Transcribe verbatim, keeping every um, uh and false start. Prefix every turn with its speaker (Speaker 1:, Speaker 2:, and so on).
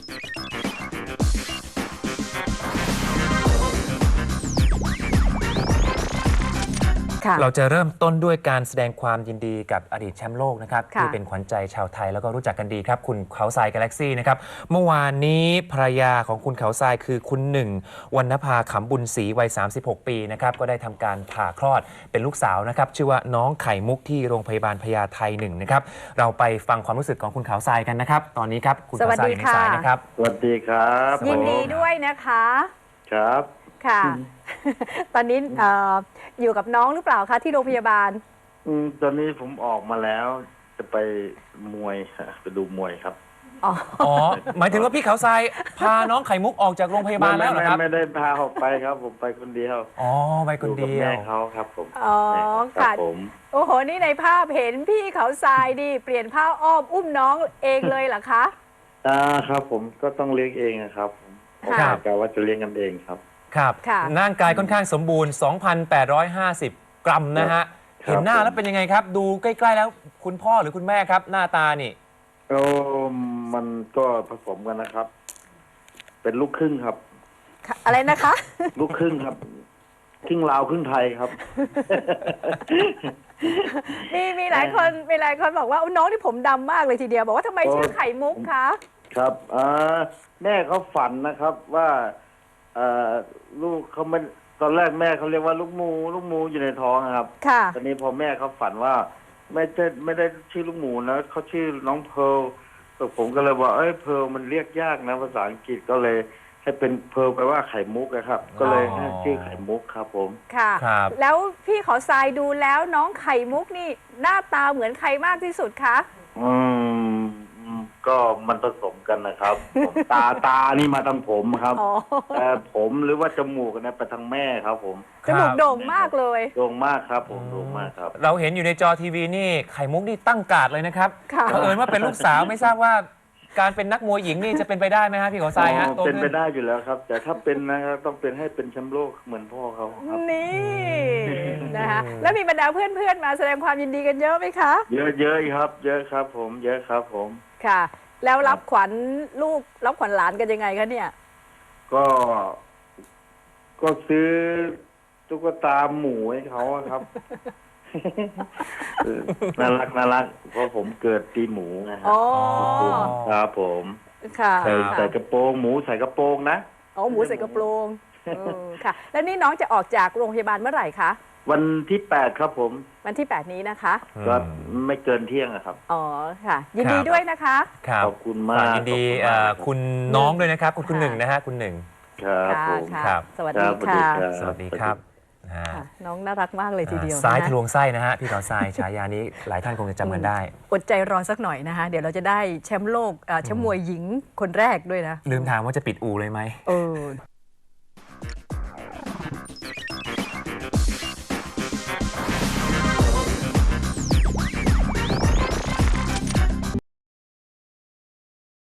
Speaker 1: เราจะเริ่มต้นด้วยการแสดงความยินดีกับอดีตแชมป์โลกนะครับที่เป็นขวัญใจชาวไทยแล้วก็รู้จักกันดีครับคุณเขาทรายกาแล็กซี่นะครับเมื่อวานนี้ภรรยาของคุณเขาทรายคือคุณหนึ่งวรรณภาขำบุญศรีวัยสามสิบหกปีนะครับก็ได้ทำการผ่าคลอดเป็นลูกสาวนะครับชื่อว่าน้องไข่มุกที่โรงพยาบาลพญาไทหนึ่งนะครับเราไปฟังความรู้สึกของคุณเขาทรายกันนะครับตอนนี้ครับคุณเขาทรายอยู่ในสายนะครับ
Speaker 2: สวัสดีครับ
Speaker 3: ยินดีด้วยนะคะ
Speaker 2: ครับ
Speaker 3: ค่ะตอนนี้ออยู่กับน้องหรือเปล่าคะที่โรงพยาบาล
Speaker 2: อืมตอนนี้ผมออกมาแล้วจะไปมวยไปดูมวยครับ
Speaker 1: อ๋อหมายถึงว่าพี่เขาทรายพาน้องไข่มุกออกจากโรงพยาบาลแล้วเหรอครับ
Speaker 2: ไม่ได้พาออกไปครับผมไปคนเดียว
Speaker 1: อ๋อไปคนเดียว
Speaker 2: แม่เขาครับผม
Speaker 3: อ๋อค่ะโอ้โหนี่ในภาพเห็นพี่เขาทรายดิเปลี่ยนผ้าอ้อมอุ้มน้องเองเลยเหรอคะ
Speaker 2: อ่าครับผมก็ต้องเลี้ยงเองนะครับผมกะว่าจะเลี้ยงกันเองครับ
Speaker 1: ครับร่างกายค่อนข้างสมบูรณ์ สองพันแปดร้อยห้าสิบ กรัมนะฮะเห็นหน้าแล้วเป็นยังไงครับดูใกล้ๆแล้วคุณพ่อหรือคุณแม่ครับหน้าตานี่
Speaker 2: โอ้มันก็ผสมกันนะครับเป็นลูกครึ่งครับ
Speaker 3: อะไรนะคะ
Speaker 2: ลูกครึ่งครับครึ่งลาวครึ่งไทยครับ
Speaker 3: มีมีหลายคนมีหลายคนบอกว่าน้องที่ผมดำมากเลยทีเดียวบอกว่าทำไมชื่อไข่มุกคะ
Speaker 2: ครับแม่เขาฝันนะครับว่าลูกเขาไม่ตอนแรกแม่เขาเรียกว่าลูกมูลูกมูอยู่ในท้องครับ
Speaker 3: ค่ะ
Speaker 2: ตอนนี้พอแม่เขาฝันว่าไม่ใช่ไม่ได้ชื่อลูกหมูนะเขาชื่อน้องเพร์ลผมก็เลยว่าเอ้ยเพร์ลมันเรียกยากนะภาษาอังกฤษก็เลยให้เป็นเพร์ลแปลว่าไข่มุกนะครับก็เลยให้ชื่อไข่มุกครับผม
Speaker 3: ค่ะแล้วพี่ขอทรายดูแล้วน้องไข่มุกนี่หน้าตาเหมือนใครมากที่สุดคะ
Speaker 2: อืมก็มันผสมกันนะครับตาตานี่มาทางผมครับแต่ผมหรือว่าจมูกเนี่ยไปทางแม่ครับผม
Speaker 3: จมูกโด่งมากเลย
Speaker 2: โด่งมากครับผมโด่งมากครับ
Speaker 1: เราเห็นอยู่ในจอทีวีนี่ไข่มุกนี่ตั้งการ์ดเลยนะครับเผอิญว่าเป็นลูกสาวไม่ทราบว่าการเป็นนักมวยหญิงนี่จะเป็นไปได้ไหมฮะพี่ขอทรายฮะ
Speaker 2: เป็นไปได้อยู่แล้วครับแต่ถ้าเป็นนะครับต้องเป็นให้เป็นแชมป์โลกเหมือนพ่อเขาครับ
Speaker 3: นี่นะคะแล้วมีบรรดาเพื่อนๆมาแสดงความยินดีกันเยอะไหมคะ
Speaker 2: เยอะเยอะครับเยอะครับผมเยอะครับผม
Speaker 3: ค่ะแล้วรับขวัญลูกรับขวัญหลานกันยังไงคะเนี่ย
Speaker 2: ก็ก็ซื้อตุ๊กตาหมูให้เขาครับน่ารักน่ารักเพราะผมเกิดปีหมูนะครับครับผม
Speaker 3: ค่ะ
Speaker 2: ใส่ใส่กระโปรงหมูใส่กระโปรงนะ
Speaker 3: อ๋อหมูใส่กระโปรงค่ะแล้วนี่น้องจะออกจากโรงพยาบาลเมื่อไหร่คะ
Speaker 2: วันที่แปดครับผม
Speaker 3: วันที่แปดนี้นะคะ
Speaker 2: ก็ไม่เกินเที่ยงครับ
Speaker 3: อ๋อค่ะยินดีด้วยนะคะ
Speaker 2: ขอบคุณมาก
Speaker 1: ยินดีคุณน้องด้วยนะครับคุณหนึ่งนะฮะคุณหนึ่ง
Speaker 2: ครับผม
Speaker 3: ครับสวัสดีค่ะ
Speaker 1: สวัสดีครับ
Speaker 3: น้องน่ารักมากเลยทีเดียว
Speaker 1: ซ้ายทะลวงไส้นะฮะพี่เขาทรายฉายานี้หลายท่านคงจะจำกันได้
Speaker 3: อดใจรอสักหน่อยนะคะเดี๋ยวเราจะได้แชมป์โลกแชมป์มวยหญิงคนแรกด้วยนะ
Speaker 1: ลืมถามว่าจะปิดอู่เลยไหม
Speaker 3: เออ